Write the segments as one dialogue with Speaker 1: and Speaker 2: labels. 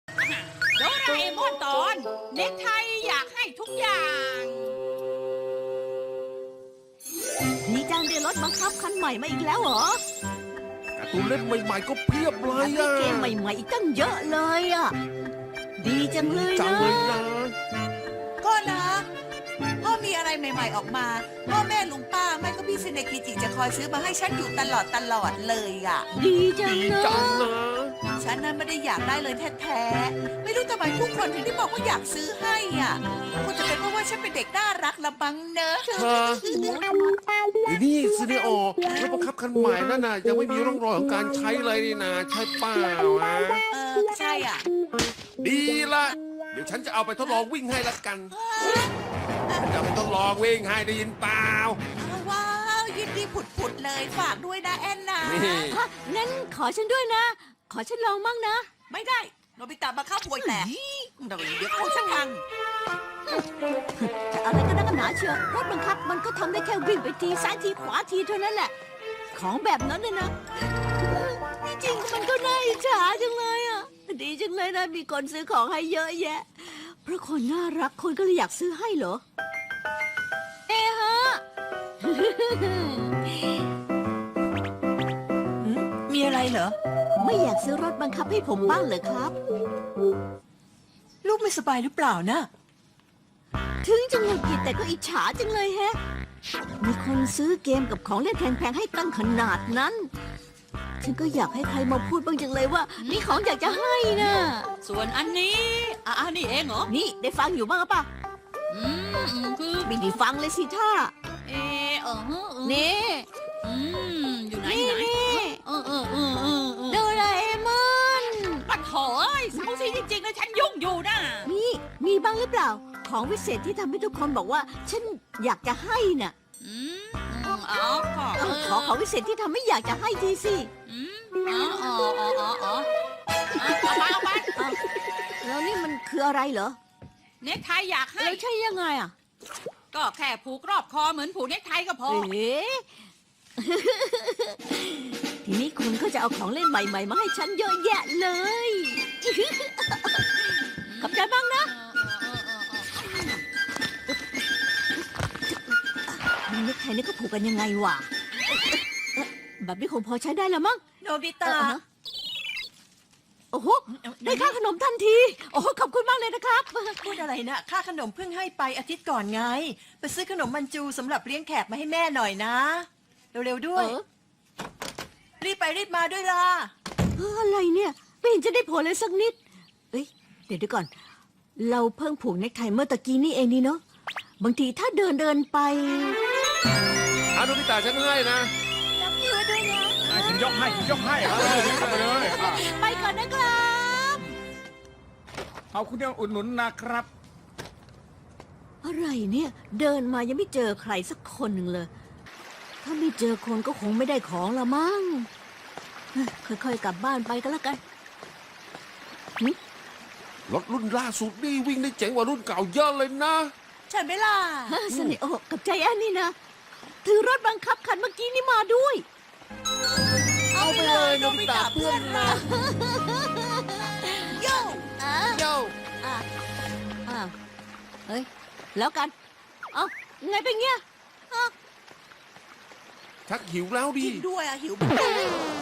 Speaker 1: โดราเอมอนตอนเน็กไทอยากให้ทุกอย่าง
Speaker 2: นี่จังได้รถบังคับคันใหม่มาอีกแล้วเหรอ
Speaker 3: การ์ตูนเล่นใหม่ๆก็เพียบเล
Speaker 2: แถ
Speaker 3: ย
Speaker 2: มมี
Speaker 3: อ่ะ
Speaker 2: เกมใหม่ๆอีกตั้งเยอะเลยอ่ะ ดีจังเลย
Speaker 3: จัง
Speaker 2: นะ
Speaker 3: เลยนะ
Speaker 4: ก็นะพ่อมีอะไรใหม่ๆออกมาพ่อแม่ลุงป้าแม่ก็พี่ซินเนกิจิจะคอยซื้อมาให้ฉันอยู่ตลอดเลยอ่ะ
Speaker 2: ดีจัง
Speaker 3: ดี
Speaker 2: เล
Speaker 3: จัง
Speaker 2: ย
Speaker 3: นะ
Speaker 4: ฉันนั้นไม่ได้อยากได้เลยแท้ๆไม่รู้ทำไมทุกคนถึงได้บอกว่าอยากซื้อให้อ่ะคงจะเป็นเพราะว่าฉันเป็นเด็กน่ารักละบังเนอะ
Speaker 3: ฮะไอ้นี่ซีเนโอรถบังคับคันใหม่นั่นน่ะยังไม่มีร่องรอยของการใช้เลยนี่นะใช่เปล่าฮะ
Speaker 4: ใช่อ่ะ
Speaker 3: ดีละเดี๋ยวฉันจะเอาไปทดลองวิ่งให้ละกันฉันจะเอาไปทดลองวิ่งให้ได้ยินเปล่า
Speaker 4: ว้าวยินดีผุดๆเลยฝากด้วยนะแอนนา
Speaker 3: นี่
Speaker 2: ฮะงั้นขอฉันด้วยนะ ขอฉันลองมั่งนะ
Speaker 4: ไม่ได้โนบิตะมาเข้าป่วยแต่เดี๋ยวเขาฉันพัง
Speaker 2: จะอะไรก็นักหนาเชียวรถบังคับมันก็ทำได้แค่วิ่งไปทีซ้ายทีขวาทีเท่านั้นแหละ ของแบบนั้นเนี่ยนะที่จริงมันก็น่าอิจฉาจังเลยอ่ะ ดีจังเลยนะมีคนซื้อของให้เยอะแยะ เพราะคนน่ารักคนก็เลยอยากซื้อให้เหรอ เอะฮะ
Speaker 4: มีอะไรเหรอ
Speaker 2: ไม่อยากซื้อรถบังคับให้ผมบ้างเหรอครับ
Speaker 4: ลูกไม่สบายหรือเปล่านะ
Speaker 2: ถึงจะหงุดหงิดแต่ก็อิจฉาจังเลยแฮะ มีคนซื้อเกมกับของเล่นแพงๆให้ตั้งขนาดนั้น ฉันก็อยากให้ใครมาพูดบ้างจังเลยว่า มีของอยากจะให้นะ
Speaker 1: ส่วนอันนี้นี่เองเหรอ
Speaker 2: นี่ได้ฟังอยู่บ้างหรือเปล่ะ
Speaker 1: คือ
Speaker 2: ไม่ได้ฟังเลยสิท่า
Speaker 1: นี่
Speaker 2: นี่
Speaker 1: อยู่ไหน
Speaker 2: นี่
Speaker 1: อยู่ไหน
Speaker 2: นี่
Speaker 1: เด
Speaker 2: โดราเอมอน
Speaker 1: ปัดโถเอ้ยเสาซีจริงๆเลยฉันยุ่งอยู่นะ
Speaker 2: นี่มีบ้างหรือเปล่า ของวิเศษที่ทำให้ทุกคนบอกว่า ฉันอยากจะให้น่ะ ขอของวิเศษที่ทำให้อยากจะให้ทีสิ
Speaker 1: เอาไป
Speaker 2: แล้วนี่มันคืออะไรเหรอ
Speaker 1: เน็กไทอยากให้
Speaker 2: แล้วใช่ยังไงอ่ะ
Speaker 1: ก็แค่ผูกรอบคอเหมือนผูกเน็กไทก็พอ
Speaker 2: เอ๊ะ ทีนี้คุณก็จะเอาของเล่นใหม่ๆ มาให้ฉันเยอะแยะเลย ขอบใจบ้างนะนี่เน็กไทนี่ก็ผูกกันยังไงวะแบบนี้คงพอใช้ได้แล้วมั้ง
Speaker 4: โนบิตะ
Speaker 2: โอ้โห ได้ค่าขนมทันที โอ้โหขอบคุณมากเลยนะครับ
Speaker 5: พูดอะไรนะค่าขนมเพิ่งให้ไปอาทิตย์ก่อนไง ไปซื้อขนมมันจูสำหรับเลี้ยงแขกมาให้แม่หน่อยนะ เร็วๆด้วย รีบไปรีบมาด้วยล่ะ
Speaker 2: อะไรเนี่ยไม่เห็นจะได้ผลเลยสักนิด เอ้ยเดี๋ยวก่อน เราเพิ่งผูกเน็กไทเมื่อตะกี้นี่เองนี่เนาะ บางทีถ้าเดินไป
Speaker 3: อานุพิตาฉันให้นะ
Speaker 2: รับมือด้วยนะ
Speaker 6: ฉันยกให้ไปเลยอ่ะ
Speaker 2: ไปก่อนนะครับ
Speaker 6: เอาคุณเดียวอุดหนุนนะครับ
Speaker 2: อะไรเนี่ย เดินมายังไม่เจอใครสักคนหนึ่งเลย ถ้าไม่เจอคนก็คงไม่ได้ของละมั้งค่อยๆกลับบ้านไปก็แล้วกัน
Speaker 3: รถรุ่นล่าสุดนี่วิ่งได้เจ๋งกว่ารุ่นเก่าเยอะเลยนะ
Speaker 4: ใช่ไหมล่ะ
Speaker 2: สนิโอกับใจแอนนี่นะ ถือรถบังคับคันเมื่อกี้นี่มาด้วย
Speaker 4: เอาไปเลยโนบิตะเพื่อนรักโย่
Speaker 3: โย่
Speaker 2: อ้าวเฮ้ย แล้วกัน เอ้าไงเป็นเงี้ย
Speaker 3: ชักหิวแล้วดิ
Speaker 4: กินด้วยอะหิวเหมือนกัน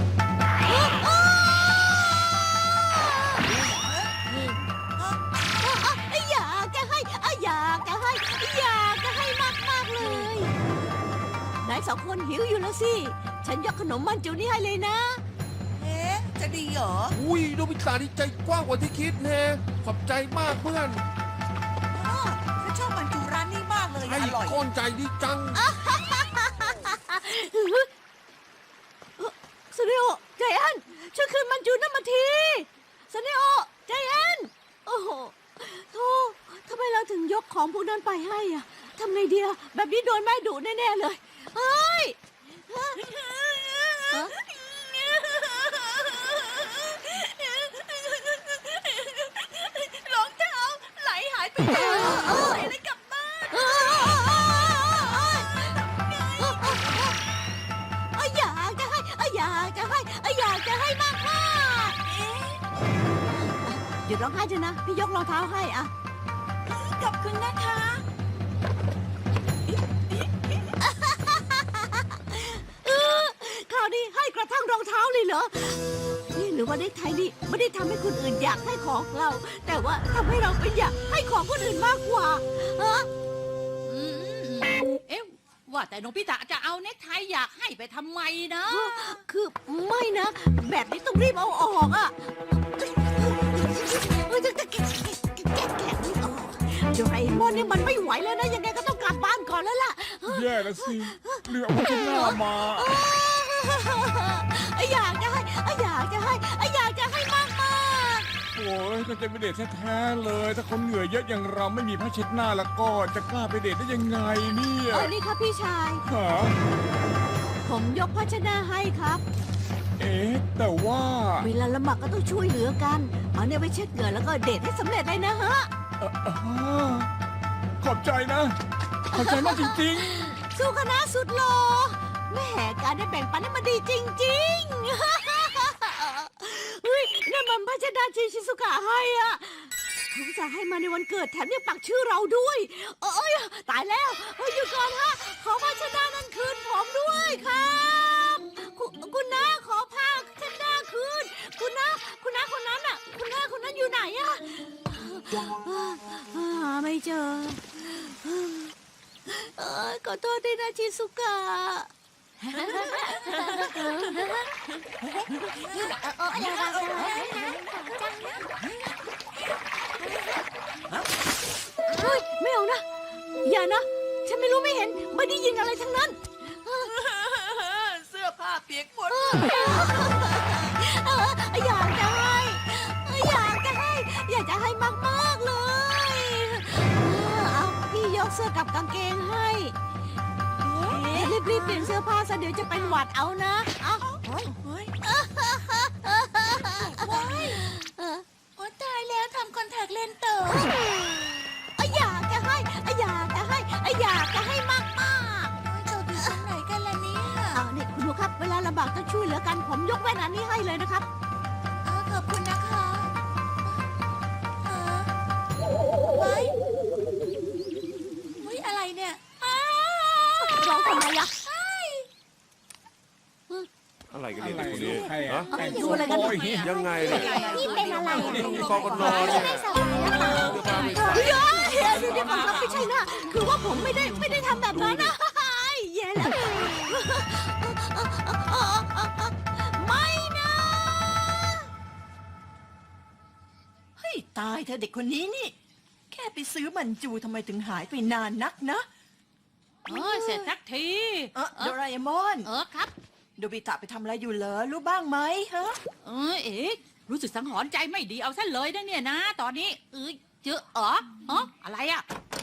Speaker 2: อยากจะให้อยากจะให้อยากจะให้มากๆเลยนายสองคนหิวอยู่แล้วสิ ฉันยกขนมมันจูนี่ให้เลยนะ
Speaker 4: เอ๊ะจะดีเหรอ
Speaker 3: อุ้ยโนบิตานี่ใจกว้างกว่าที่คิดแน่ขอบใจมากเพื่อน
Speaker 4: ฉันชอบมันจูร้านนี้มากเลย
Speaker 3: ไอ้
Speaker 4: อร่อย
Speaker 3: ก้อนใจดีจัง
Speaker 2: สเนโอใจแอนช่วยคืนมันจูนั่นมาทีสเนโอใจแอนโอ้โหโธ่ทำไมเราถึงยกของพวกนั้นไปให้อะทำไงดีอะแบบนี้โดนแม่ดุแน่ๆเลยเฮ้ยฮะฮะ
Speaker 4: รองเท้าไหลหายไปเลยใส่เลยกลับบ้าน
Speaker 2: อยากจะให้อยากจะให้อยากจะให้มากๆหยุดร้ององไห้เถอะนะ พี่ยกรองเท้าให้อะ
Speaker 5: ขอบคุณนะคะ
Speaker 2: คราวนี้ให้กระทั่งรองเท้าเลยเหรอ นี่หรือว่าเด็กไทยนี่ไม่ได้ทำให้คนอื่นอยากให้ของเรา แต่ว่าทำให้เราเป็นอยากให้ของคนอื่นมากกว่าฮะ
Speaker 1: อืมเอ๊ะว่าแต่โนบิตะจะเอาเน็กไทอยากให้ไปทำไมนะ
Speaker 2: คือไม่นะ แบบนี้ต้องรีบเอาออกอะแกะไม่ออกโดราเอมอนนี่มันไม่ไหวแล้วนะ ยังไงก็ต้องกลับบ้านก่อนแล้วล่ะ
Speaker 6: แย่แล้วสิเรือเอาขึ้นหน้ามา
Speaker 2: อยากจะให้อยากจะให้อยากจะให้มากมาก
Speaker 6: โอ้ยถ้าจะไปเดทแท้ๆเลย ถ้าคนเหงื่อเยอะอย่างเราไม่มีผ้าเช็ดหน้าแล้วก็จะกล้าไปเดทได้ยังไงเนี่ย
Speaker 2: นี่ครับพี่ชาย
Speaker 6: หา
Speaker 2: ผมยกภาชนะให้ครับ
Speaker 6: เอ๊ะแต่ว่า
Speaker 2: เวลาละหมาดก็ต้องช่วยเหลือกันเอาเนี่ยไปเช็ดเหงื่อแล้วก็เดทให้สำเร็จเลยนะฮะ
Speaker 6: อ่าขอบใจนะ ขอบใจมากจริง
Speaker 2: สู้คณะสุดหล่อแม่การได้แบ่งปันให้มันดีจริงๆ เฮ้ยนั่นมันภาชนะที่ชิซุกะให้อ่ะเขาจะให้มาในวันเกิดแถมยังปักชื่อเราด้วยเอ้ยตายแล้วเฮ้ยหยุดก่อนฮะขอภาชนะนั้นคืนผมด้วยครับคุณน้าขอผ้าเช็ดหน้าคืนคุณน้าคนนั้นอ่ะคุณน้าคนนั้นอยู่ไหนอ่ะหาไม่เจอขอโทษด้วยนะชิซุกะเฮ้ยไม่เอานะ อย่านะ ฉันไม่รู้ไม่เห็น ไม่ได้ยินอะไรทั้งนั้น
Speaker 5: เสื้อผ้าเปียกหมด
Speaker 2: อยากจะให้ อยากจะให้ อยากจะให้มากๆเลยเอาพี่ยกเสื้อกับกางเกงให้รีบๆเปลี่ยนเสื้อผ้าซะเดี๋ยวจะเป็นหวัดเอานะ เอา
Speaker 4: โอ้ตายแล้วทำคอนแทคเลนส์ต่อ
Speaker 2: อยากจะให้ อยากจะให้ อยากจะให้มาก
Speaker 4: เจ้าอยู่ตรงไหนกันล่ะเนี่ย
Speaker 2: ๆเอาเนี่ยคุณดูครับ เวลาลำบากต้องช่วยเหลือกัน ผมยกแว่นอันนี้ให้เลยนะครับ
Speaker 4: ขอบคุณนะคะไว้อะไรเนี่ย
Speaker 2: ร้องทำไมอะ
Speaker 3: อะไรกัน
Speaker 6: ๆ
Speaker 3: เนี่ย
Speaker 6: อะไร
Speaker 3: เด็กคน
Speaker 6: ลู
Speaker 3: นี้
Speaker 6: กใคร
Speaker 3: ฮะ
Speaker 6: แต่ง
Speaker 2: ดู
Speaker 6: ตัว
Speaker 2: อะไรกัน
Speaker 6: โอย
Speaker 3: ยังไงเนี่ย
Speaker 2: พี่เป็นอะไร
Speaker 3: กอกนอนเนี่ย
Speaker 2: เดี๋ยวผมรับไม่ใช่นะคือว่าผมไม่ได้ทำแบบนั้นนะแย่แล้วไม่นะ
Speaker 5: เฮ้ยตายเธอเด็กคนนี้นี่ แค่ไปซื้อมันจูทำไมถึงหายไปนานนักนะ
Speaker 1: เสร็จสักที
Speaker 5: โดราเอมอน
Speaker 1: ครับ
Speaker 5: โดบิตะไปทำอะไรอยู่เหรอรู้บ้างไหมฮะ
Speaker 1: เอ๊ะรู้สึกสังหรณ์ใจไม่ดีเอาซะเลยนะเนี่ยนะ ตอนนี้เจออะไรอ่ะ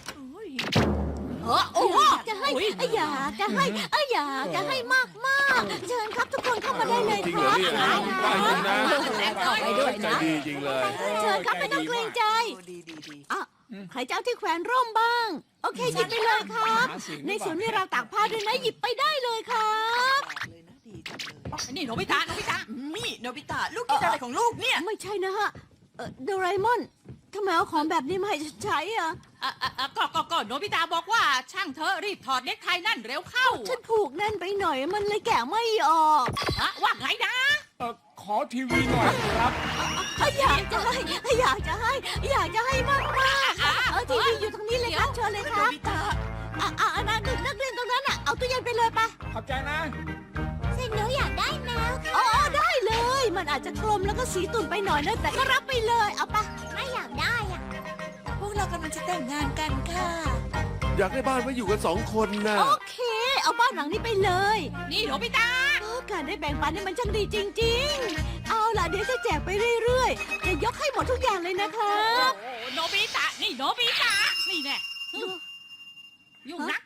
Speaker 1: โอ้โห
Speaker 2: อยากจะให้อยากจะให้อยากจะให้มากเชิญครับทุกคนเข้ามาได้เลย
Speaker 3: จริง
Speaker 2: ค
Speaker 3: เหรอ
Speaker 2: รับ
Speaker 3: เนี่ยได้จริงนะ
Speaker 2: เข้าไปด้วย
Speaker 3: ใจ
Speaker 2: นะ
Speaker 3: ดีจริงเลย
Speaker 2: เชิญครับไม่ต้องเกรงใจ
Speaker 5: ดี
Speaker 2: อ่ะใครจะเอาที่แขวนร่มบ้าง โอเคหยิบไปเลยครับ ในสวนมีราวตากผ้าด้วยนะหยิบไปได้เลยครับ
Speaker 5: เลยนะดีจังเลย
Speaker 1: นี่โนบิตะ
Speaker 5: นี่โนบิตะลูกกินอะไรของลูกเนี่ย
Speaker 2: ไม่ใช่นะฮะโดราเอมอนทำไมเอาของแบบนี้มาให้ฉันใช้อ่ะ
Speaker 1: ก็โนบิตะบอกว่าช่างเธอรีบถอดเน็กไทนั่นเร็วเข้า
Speaker 2: ฉันผูกแน่นไปหน่อยมันเลยแกะไม่ออก
Speaker 1: ว่าไงนะ
Speaker 6: ขอทีวีหน่อยครับ
Speaker 2: อยากจะให้อยากจะให้อยากจะให้มากทีวีอยู่ตรงนี้เลยครับเชิญเลยค
Speaker 5: โน
Speaker 2: รับ
Speaker 5: บิตะ
Speaker 2: นักเรียนตรงนั้นอ่ะเอาตู้เย็นไปเลยปะ
Speaker 6: ขอบใจนะ
Speaker 2: สิ่งหนูอยากได้แมวอ๋อได้เลย มันอาจจะกลมแล้วก็สีตุ่นไปหน่อยนะแต่ก็รับไปเลยเอาปะไม่อยากได้อ่ะ
Speaker 4: พวกเรากำลังจะแต่งงานกันค่ะ
Speaker 3: อยากได้บ้านไว้อยู่กัน2 คนนะ
Speaker 2: โอเค เอาบ้านหลังนี้ไปเลย
Speaker 1: นี่โนบิตะ
Speaker 2: การได้แบ่งปันนี่มันช่างดีจริง ๆ เอาล่ะเดี๋ยวจะแจกไปเรื่อยๆจะยกให้หมดทุกอย่างเลยนะครับ
Speaker 1: โนบิตะนี่โนบิตะนี่แน่ยุ่งนัก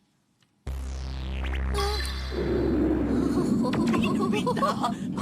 Speaker 5: โนบิตะ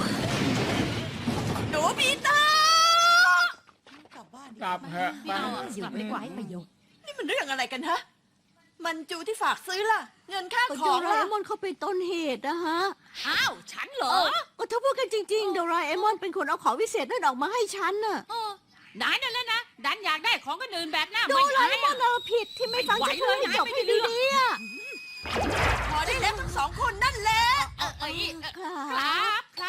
Speaker 5: โนบิตะกลับบ้านดี
Speaker 6: กลับเถอะ
Speaker 1: ไม่เอากลับดีกว่าให้ประโยชน์
Speaker 5: นี่มันเรื่องอะไรกันฮะ มันจูที่ฝากซื้อล่ะ เงินค่า
Speaker 2: ก็
Speaker 5: ข
Speaker 2: โด
Speaker 5: อง
Speaker 2: รา
Speaker 5: ล่ะ
Speaker 2: เอมอนเขาเป็นต้นเหตุนะฮะ
Speaker 1: อ้าวฉันเหรอ
Speaker 2: ก็ถ้าพูดกันจริงๆโดราเอมอนเป็นคนเอาของวิเศษนั่นออกมาให้ฉันน่ะ
Speaker 1: นายนั่นแหละนะดันอยากได้ของคนอื่นแบบหน้า
Speaker 2: ดู
Speaker 1: ไม่
Speaker 2: เล
Speaker 1: อาย ย
Speaker 2: ว่า
Speaker 1: อะ
Speaker 2: เราผิดที่ไม่ฟังฉันพูดให้จบให้ดีๆอ่ะ
Speaker 5: พอได้แล้วทั้งสองคนนั่นแหละ
Speaker 1: ครับครับ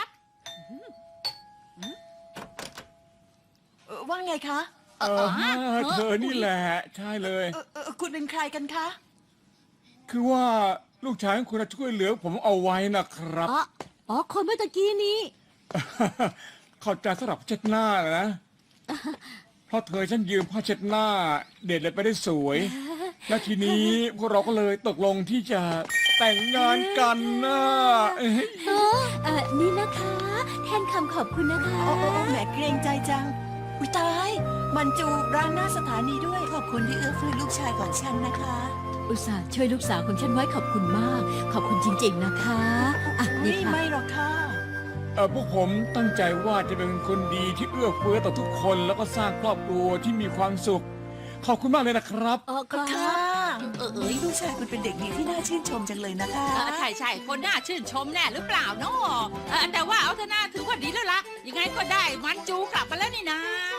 Speaker 5: ว่าไงคะ
Speaker 6: เธอนี่แหละใช่เลย
Speaker 5: คุณเป็นใครกันคะ
Speaker 6: คือว่าลูกชายของคุณช่วยเหลือผมเอาไว้นะครับ
Speaker 2: อ๋อคนเมื่อตะกี้นี้
Speaker 6: เข้าใจสำหรับผ้าเช็ดหน้านะ เพราะเธอฉันยืมผ้าเช็ดหน้า เด็ดเลยไปได้สวย และทีนี้พวกเราก็เลยตกลงที่จะแต่งงานกันนะ
Speaker 2: นี่นะคะ แทนคำขอบคุณนะคะ
Speaker 5: โอ้แหมเกรงใจจัง อุ้ยตาย มันจูร้านหน้าสถานีด้วย
Speaker 4: ขอบคุณที่เอื้อเฟื้อลูกชายของฉันนะคะ
Speaker 2: อุตส่าห์ช่วยลูกสาวของฉันไว้ขอบคุณมาก ขอบคุณจริง ๆนะคะอ่ะนี่ค่ะ
Speaker 5: ไม่หรอกค่ะ
Speaker 6: พวกผมตั้งใจว่าจะเป็นคนดีที่เอื้อเฟื้อต่อทุกคนแล้วก็สร้างครอบครัวที่มีความสุข ขอบคุณมากเลยนะครับ
Speaker 5: ก็ค่ะ
Speaker 4: ลูกชายคุณเป็นเด็กดีที่น่าชื่นชมจังเลยนะคะ
Speaker 1: ใช่คนน่าชื่นชมแน่หรือเปล่าเนาะแต่ว่าเอาเถอะนะถือว่าดีแล้วล่ะยังไงก็ได้มันจูกลับมาแล้วนี่นะ